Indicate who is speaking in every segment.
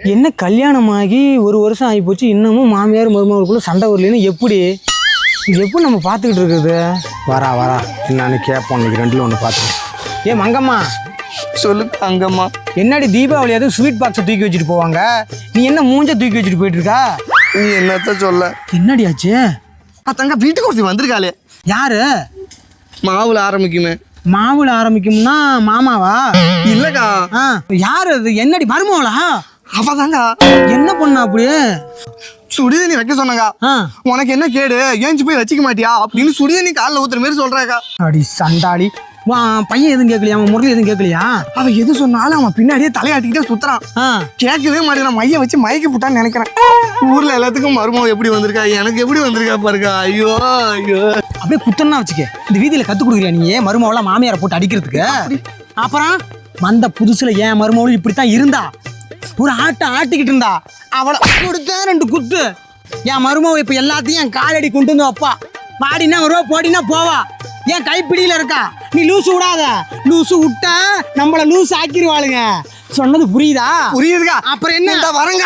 Speaker 1: என்ன கல்யாணமாகி ஒரு வருஷம் ஆகி போச்சு, இன்னமும் மாமியார் மருமகளுக்குள்ள சண்டை வரலன்னு எப்படி நம்ம பார்த்துக்கிட்டு இருக்குது? வரா என்னன்னு கேட்போம். இன்னைக்கு ரெண்டுல ஒன்று பார்த்துக்கேன். ஏ மங்கம்மா,
Speaker 2: சொல்லு அங்கம்மா.
Speaker 1: என்னடி தீபாவளி அதுவும் ஸ்வீட் பாக்ஸை தூக்கி வச்சுட்டு போவாங்க, நீ என்ன மூஞ்ச தூக்கி வச்சுட்டு போயிட்டு இருக்கா?
Speaker 2: நீ என்னத்த சொல்ல?
Speaker 1: என்னடி ஆச்சு?
Speaker 2: தங்க வீட்டுக்கு ஒருத்தி வந்திருக்காளே.
Speaker 1: யாரு?
Speaker 2: மாவுல ஆரம்பிக்குமே.
Speaker 1: மாவுல ஆரம்பிக்கும்னா மாமாவா?
Speaker 2: இல்லக்கா.
Speaker 1: யாரு அது? என்னடி மருமகளா?
Speaker 2: அவதாங்க.
Speaker 1: என்ன பண்ணா அப்படியே?
Speaker 2: சுடிதண்ணி வைக்க சொன்னாங்க. உனக்கு என்ன கேடு, ஏஞ்சி போய் வச்சுக்க மாட்டியா அப்படின்னு சுடிதண்ணி காலில் ஊத்துற மாதிரி சொல்றாக்கா.
Speaker 1: அடி சண்டாளி, பையன் எதுவும் கேட்கலையா? அவன் முரளி எதுவும் கேட்கலையா?
Speaker 2: அவன் எது சொன்னாலும் அவன் பின்னாடியே தலையாட்டிக்கிட்டே சுத்துறான். கேட்கவே மாட்டேன். மைய வச்சு மயக்கி போட்டான்னு நினைக்கிறேன். ஊர்ல எல்லாத்துக்கும் மருமகம் எப்படி வந்திருக்கா, எனக்கு எப்படி வந்திருக்கா பாருக்கா. ஐயோ ஐயோ,
Speaker 1: அப்படியே குத்தன்னா வச்சுக்க. இந்த வீதியில கத்து கொடுக்குறியா நீ மருமவளா மாமியாரை போட்டு அடிக்கிறதுக்கு? அப்புறம் வந்த புதுசுல ஏன் மருமவளும் இப்படித்தான் இருந்தா. ஒரு ஆட்டிக்கிட்டு இருந்தா. அவளை கொடுத்தா 2 குத்து. என் மருமவ இப்ப எல்லாத்தையும் என் காலடி கொண்டு வந்து வைப்பா. பாடினா வருவா, போடினா போவா. என் கைப்பிடியில இருக்கா. நீ லூசு விடாத. லூசு விட்டா நம்மள லூஸ் ஆக்கிடுவாளுங்க. சொன்னது புரியுதா?
Speaker 2: புரியுதுக்கா.
Speaker 1: அப்புறம் என்ன வரங்க?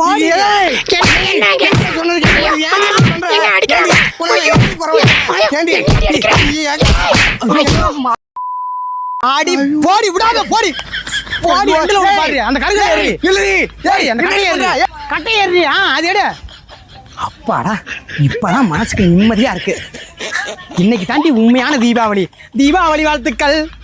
Speaker 1: ஆடி போடி விடாத, போடி போடி. பாரு அந்த கடையில ஏறி. இல்லடி ஏய், அந்த கடையில ஏறி. கட்டை ஏறி. அது எடு. அப்பாடா, இப்பதான் மனசுக்கு நிம்மதியா இருக்கு. இன்னைக்கு தாண்டி உண்மையான தீபாவளி. தீபாவளி வாழ்த்துக்கள்.